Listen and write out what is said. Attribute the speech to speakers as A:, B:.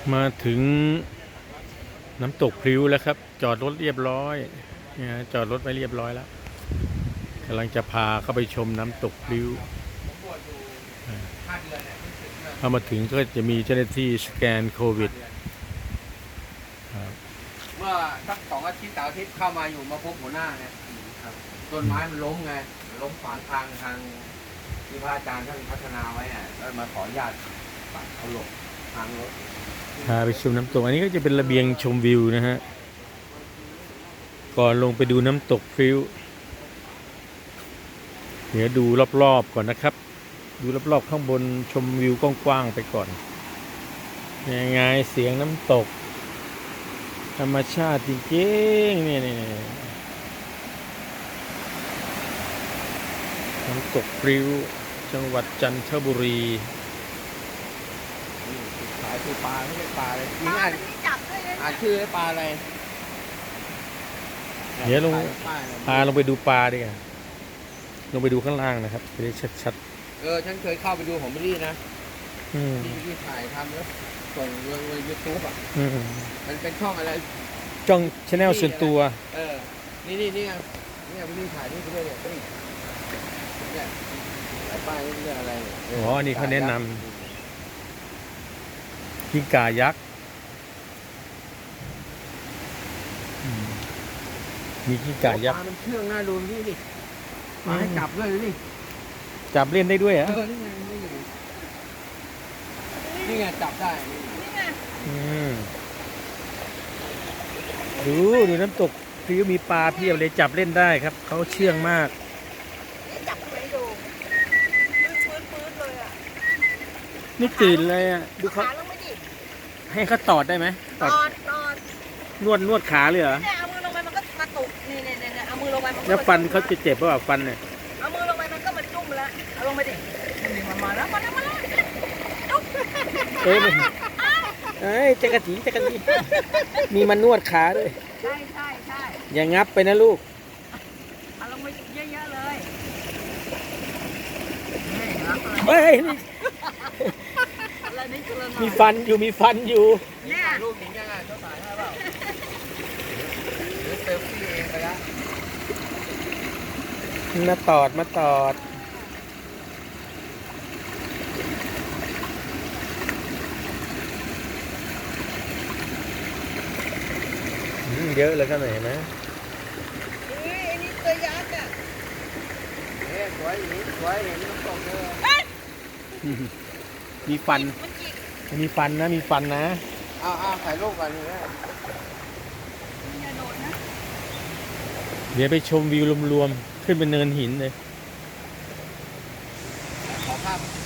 A: มาถึงน้ำตกพลิ้วแล้วครับ จอดรถเรียบร้อยเนี่ยจอดรถไว้เรียบร้อยแล้วกำลังจะพาเข้าไปชมน้ำตกพลิ้วพอมาถึงก็จะมีเจ้าหน้าที่สแกนโควิด
B: เมื่อสัก2 อาทิตย์3 อาทิตย์เข้ามาอยู่มาพบหัวหน้าเนี่ยต้นไม้มันล้มไงล้มขวางทางที่พระอาจารย์ท่านพัฒนาไว้อ่ะแล้วมาขออนุญาตปัดเอาหลบทางรถ
A: พาไปชมน้ำตกอันนี้ก็จะเป็นระเบียงชมวิวนะฮะก่อนลงไปดูน้ำตกพลิ้วเดี๋ยวดูรอบๆก่อนนะครับดูรอบๆข้างบนชมวิวกว้างๆไปก่อนยังไงเสียงน้ำตกธรรมชาติจริงๆนี่น้ำตกพลิ้วจังหวัดจันทบุรี
B: สายคือปลาไม่ใช่ปลาเลย
C: ปลาที่จับด้วยนะ
B: อ่านชื่อปลาอะไร
A: เดี๋ยวพาลงไปดูปลาดีกว่าลงไปดูข้างล่างนะครับจะได้ชัด
B: ฉันเคยเข้าไปดูของบิลลี่นะ
A: ๆ
B: ที่ถ่ายทำแล้วส่งลงYouTubeอ่ะมันเป็นช่องอะไร
A: จ้องชาแนลส่วนตัว
B: นี่ไงนี่บิลลี่ถ่ายนี่ไปด้วยเนี่ยเนี่ยป้ายนี่เรื่องอะไร
A: อ๋อนี่เขาแนะนำกิ้งก่ายักษ์มีกิ้งก่ายักษ์
B: มันเชื่องน่าดูนี่ดิมาให้จับด้วยนี่
A: จับเล่นได้ด้วยเหรอ
B: นี่ไงจับได้
C: นี่ไง
A: ดูน้ำตกพลิ้วมีปลาเพียบเลยจับเล่นได้ครับเขาเชื่องมาก
C: นี่จับไว้ดูปื้นเลยอ่ะ
A: ไม่ตื่นเลยอ่ะดูเขา
C: ลงไปดิ
A: ให้เขาตอดได้ไหม
C: ตอด
A: นวดขาเลยเหรอ
C: เนี่ยเอามือลงไปมันก็มาตุกนี่เอามือลงไปมัน
A: แล้วฟันเขาจะเจ็บเปล่าฟันเนี่ย
C: เอามือลงไปมันก็มาจุ่มแล้วเอาลงไปดิมาแล้วจุ๊บ
A: เอ้ยจักรจีมีมันนวดขาด้วย
C: ใช่
A: อย่างงับไปนะลูก
C: เอาลงไปเยอะๆเลย
A: เฮ้ยมีฟันอยู่
C: เนี่ย
B: ลูกหญิงยังไงเจ้าสายให้เปล่าหรือเซลฟี่เองไปแล้ว
A: มาตอดเยอะเลยก็หน่อยนะ
C: ไอ้นี่ตัวยักษ์อ่ะ
B: สวยเห็นน้ำตกเลย
A: มีฟันมีฟันนะ
B: ถ่ายรูปกันเลย
A: เดี๋ยวไปชมวิวรวมๆขึ้นเป็นเนินหินเลย
B: ขอภาพ